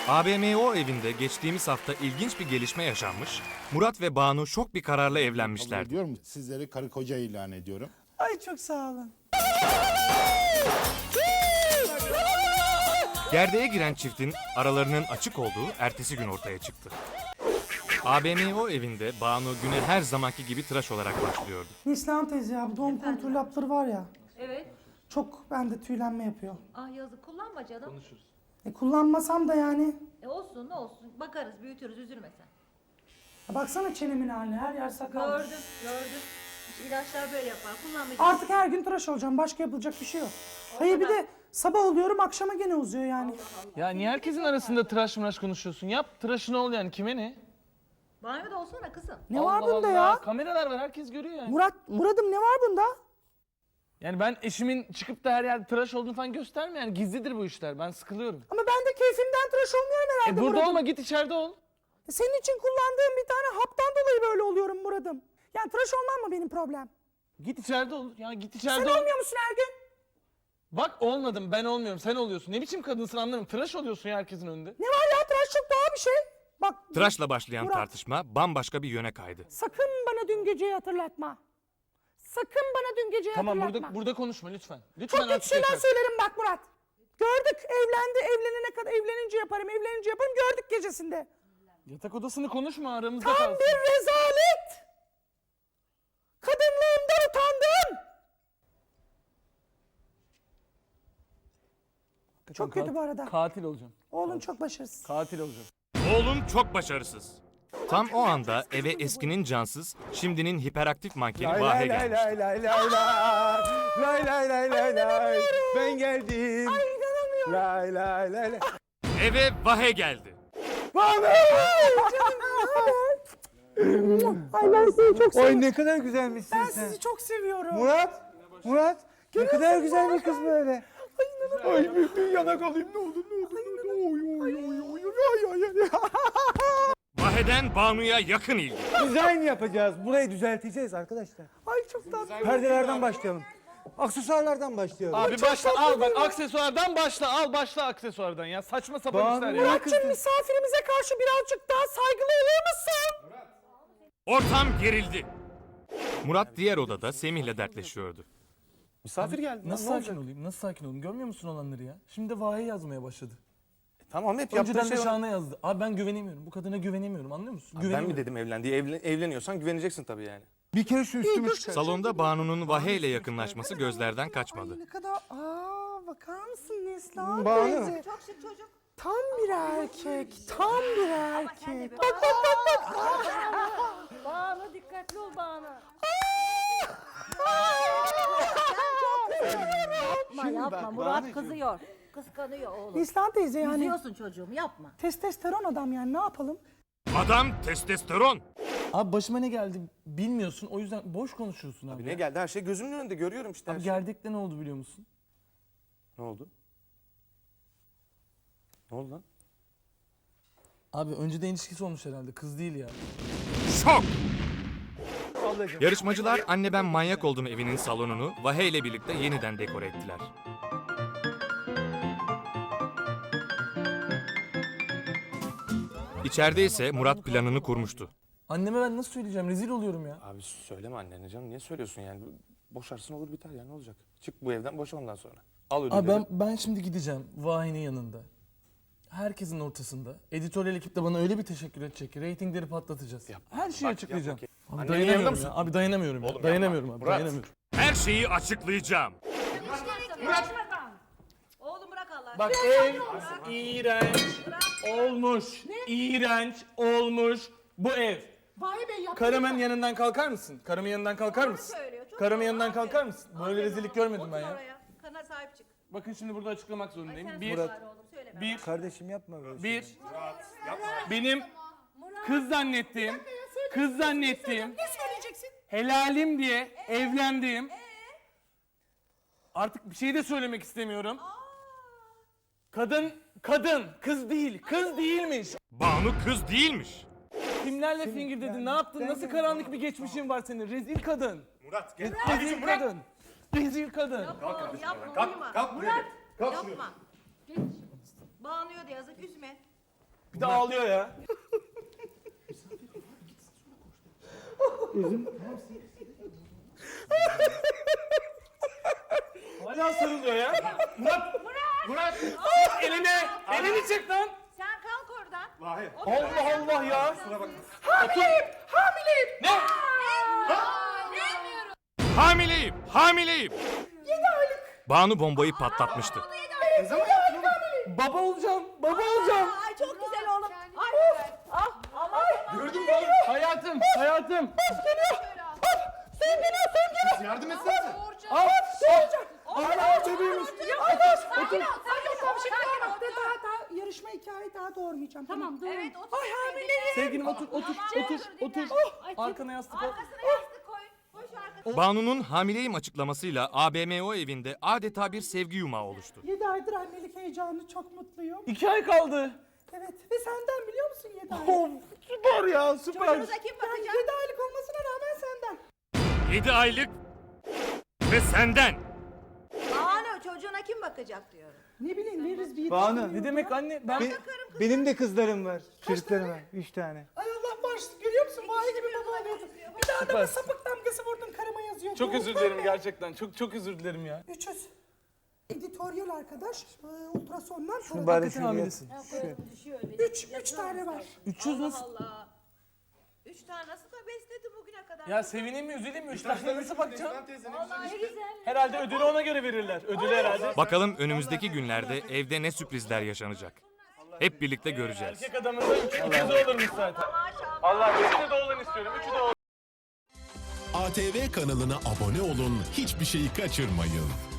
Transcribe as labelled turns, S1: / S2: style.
S1: ABMO evinde geçtiğimiz hafta ilginç bir gelişme yaşanmış. Murat ve Banu şok bir kararla evlenmişlerdi.
S2: Diyorum sizleri karı koca ilan ediyorum.
S3: Ay çok sağ olun.
S1: Gerdeğe giren çiftin aralarının açık olduğu ertesi gün ortaya çıktı. ABMO evinde Banu güne her zamanki gibi tıraş olarak başlıyordu.
S3: Neslihan teyze ya bu doğum kontrol hapları var ya.
S4: Evet.
S3: Çok bende tüylenme yapıyor.
S4: Ah yazık, kullanma canım.
S3: Kullanmasam da yani.
S4: Olsun ne olsun. Bakarız, büyütürüz, üzülme sen.
S3: Ya baksana çenemin haline, her yer sakal.
S4: Gördüm. İşte ilaçlar böyle yapar. Kullanmayacağım.
S3: Artık her gün tıraş olacağım. Başka yapılacak bir şey yok. Hayır bir de sabah oluyorum akşama gene uzuyor yani.
S5: Ya niye herkesin arasında tıraş mıraş konuşuyorsun? Yap tıraşını ol yani, kime ne?
S4: Banyoda olsana kızım.
S3: Ne var
S5: Allah
S3: bunda
S5: Allah,
S3: ya?
S5: kameralar var, herkes görüyor yani.
S3: Murat'ım ne var bunda?
S5: Yani ben eşimin çıkıp da her yerde tıraş olduğunu falan gösterme yani, gizlidir bu işler, ben sıkılıyorum.
S3: Ama ben de keyfimden tıraş olmuyorum herhalde
S5: Burada
S3: Murat'ım.
S5: olma, git içeride ol.
S3: Senin için kullandığım bir tane haptan dolayı böyle oluyorum Murat'ım. Yani tıraş olmam mı benim problem?
S5: Git içeride ol. Ya git
S3: Sen
S5: içeride ol.
S3: olmuyor musun her gün?
S5: Bak olmadım, ben olmuyorum, sen oluyorsun. Ne biçim kadınsın anlamıyorum. Tıraş oluyorsun ya herkesin önünde.
S3: Ne var ya tıraş çok doğal bir şey. Bak
S1: Tıraşla başlayan
S3: Murat.
S1: tartışma bambaşka bir yöne kaydı.
S3: sakın bana dün geceyi hatırlatma. Sakın bana dün geceyi
S5: Tamam,
S3: hatırlatma.
S5: burada konuşma lütfen. Lütfen
S3: Çok kötü
S5: artık
S3: şeyler
S5: yeter.
S3: söylerim bak Murat. Gördük evlenene kadar evlenince yaparım gördük gecesinde.
S5: Yatak odasını konuşma, aramızda
S3: Tam
S5: kalsın.
S3: bir rezalet. Kadınlığımdan utandım. Çok kötü bu arada.
S5: Katil olacağım.
S3: Oğlun çok başarısız.
S5: Katil olacağım.
S1: Oğlum çok başarısız. Tam o anda eve eskinin cansız, şimdinin hiperaktif mankeni Vahe gelmişti.
S6: Ben geldim.
S3: Ay inanamıyorum.
S6: Lay lay lay lay.
S1: Eve Vahe geldi.
S3: Ay ben seni çok seviyorum.
S6: Oy ne kadar güzelmişsin
S3: Ben
S6: sen.
S3: sizi çok seviyorum.
S6: Murat ne kadar güzel bir kız böyle.
S3: Ay
S6: Bir yanak alayım ne olur.
S1: Vahe'den Banu'ya yakın ilgi.
S6: Dizayn yapacağız. Burayı düzelteceğiz arkadaşlar.
S3: Ay çok tatlı.
S6: Perdelerden başlayalım. Aksesuarlardan başlayalım.
S5: Abi başla, al bak, aksesuardan başla, al başla aksesuardan ya. Saçma sapan
S6: Banu,
S5: işler ya.
S3: Murat'cığım misafirimize karşı birazcık daha saygılı olur musun?
S1: Ortam gerildi. Murat diğer odada Semih'le dertleşiyordu.
S6: Misafir geldi.
S5: Nasıl sakin olayım? Nasıl sakin olayım? Görmüyor musun olanları ya? Şimdi de Vahe yazmaya başladı.
S6: Tamam hep
S5: Önceden
S6: yaptığı
S5: de
S6: şey var.
S5: Şahan'a yazdı. Abi ben güvenemiyorum. Bu kadına güvenemiyorum, anlıyor musun?
S7: Ben
S5: Güvenemiyorum.
S7: mi dedim evlen diye? Evleniyorsan güveneceksin tabii yani.
S6: Bir kere şu üstümü çıkar.
S1: Salonda Banu'nun Vahe ile yakınlaşması gözlerden kaçmadı.
S3: Ay ne kadar... bakar mısın Neslihan
S6: Banu.
S3: teyze?
S4: Çok şık çocuk.
S3: Tam bir erkek. Tam bir erkek.
S4: Banu dikkatli ol Banu. Yapma Murat kızıyor. Kıskanıyor oğlum.
S3: Neslihan teyze yani
S4: Üzüyorsun çocuğum, yapma.
S3: testosteron adam yani ne yapalım?
S1: Adam testosteron.
S5: Abi başıma ne geldi bilmiyorsun, o yüzden boş konuşuyorsun abi.
S7: Ne geldi? Her şey gözümün önünde görüyorum işte her
S5: Abi
S7: şey.
S5: gerdekte ne oldu biliyor musun?
S7: Ne oldu? Ne oldu lan?
S5: Abi önceden ilişkisi olmuş herhalde, kız değil ya.
S1: Şok! Yarışmacılar Anne Ben Manyak Oldum evinin salonunu Vahe ile birlikte yeniden dekore ettiler. İçeride ise Murat planını kurmuştu.
S5: Anneme ben nasıl söyleyeceğim, rezil oluyorum ya.
S7: Abi söyleme annene canım. Niye söylüyorsun yani? Boşarsın olur biter ya, ne olacak? Çık bu evden, boşa ondan sonra. Al ödülleri.
S5: Abi ben şimdi gideceğim Vahi'nin yanında. Herkesin ortasında. Editoryal ekip de bana öyle bir teşekkür edecek ki reytingleri patlatacağız. Her şeyi
S7: Bak,
S5: açıklayacağım.
S7: yap
S5: Abi
S7: Annenin yanında
S5: dayanamıyorum
S7: mısın?
S5: ya. Abi dayanamıyorum ya.
S7: Oğlum
S5: Dayanamıyorum
S7: yapma.
S5: abi.
S7: Murat.
S5: Dayanamıyorum.
S1: Her şeyi açıklayacağım.
S4: Oğlum bırak Allah.
S5: Bak ev iğrenç olmuş. İğrenç olmuş bu ev.
S3: Vay be yapma.
S5: Karımın yanından kalkar mısın? Karımın yanından kalkar mısın?
S4: söylüyor, çok
S5: Karımın
S4: doğru,
S5: yanından
S4: aferin.
S5: kalkar mısın? Böyle rezillik görmedim ben
S4: Otur
S5: ya.
S4: oraya. Kana sahip çık.
S5: Bakın şimdi burada açıklamak zorundayım.
S4: Sen
S5: Bir,
S4: sus bari oğlum, söyleme.
S5: bir,
S6: Kardeşim yapma böyle.
S5: bir. Benim kız zannettiğim,
S3: Ne söyleyeceksin?
S5: helalim diye evlendiğim. Artık bir şey de söylemek istemiyorum. Kadın, kız değil, kız değilmiş.
S1: Banu kız değilmiş.
S5: Kimlerle fingir dedin, ne yaptın, nasıl karanlık bir geçmişin var senin, rezil kadın. Murat gel. Rezil kadın. Rezil kadın.
S4: Oğlum yapma, uyuma. Murat, yapma. Geç. Bağlanıyor da yazık, üzme.
S5: de ağlıyor ya. Hala sarılıyor ya. Murat! Elini çek lan.
S4: Sen kalk oradan.
S5: Allah Allah ya.
S1: Hamileyim, hamileyim. 7 aylık. Banu bombayı patlatmıştı.
S5: Baba olacağım.
S4: Ay çok güzel oğlum. Ay.
S5: Gördün mü? Hayatım.
S2: Yardım etsene.
S3: Hala bebeğimiz. Sakin ol. Yarışma hikayeyi daha doğurmayacağım. Tamam.
S4: Evet otur.
S3: Ay hamileyim.
S5: Sevgilim otur.
S4: Otur.
S5: Arkana yastık koy.
S4: Arkasına yastık koy. Koş arkasına.
S1: Banu'nun hamileyim açıklamasıyla ABMO evinde adeta bir sevgi yumağı oluştu.
S3: 7 aydır annelik heyecanı, çok mutluyum.
S5: 2 ay kaldı.
S3: Evet ve senden biliyor musun 7 aylık?
S5: Oh, süper ya süper.
S4: Çocuğunuza kim
S3: Yani
S4: bakacak?
S3: 7 aylık olmasına rağmen senden.
S1: 7 aylık ve senden.
S4: Banu çocuğuna kim bakacak diyorum.
S3: Ne bileyim veririz bir
S6: Banu,
S3: yetiştirmiyor
S5: Ne demek anne? Ben
S6: Benim de kızlarım var. Çocuklarım var. 3 tane.
S3: Ay Allah bağışlasın, görüyor musun? Vay gibi baba oluyordu. Bir daha da sapık damgası vurdun, karıma yazıyor.
S5: çok özür dilerim gerçekten. Çok özür dilerim ya.
S3: 300. Editoryal arkadaş, ultrasondan sonra
S6: Bari
S5: Hakikaten
S6: şunu
S5: hamilesin.
S3: 3 tane var.
S5: 300 nasıl?
S4: Allah. 3 tane nasıl da besledi bugüne kadar.
S5: Ya sevineyim mi üzüleyim mi? 3 tane nasıl bakacağım?
S4: Ne güzel.
S5: Herhalde ödülü ona göre verirler. Ödülü herhalde.
S1: Bakalım önümüzdeki günlerde evde ne sürprizler yaşanacak. Hep birlikte göreceğiz.
S5: Erkek adamın da 3 olurmuş zaten. Allah üçü de oğlan istiyorum. 3'ü de oğlan.
S8: ATV kanalına abone olun, hiçbir şeyi kaçırmayın.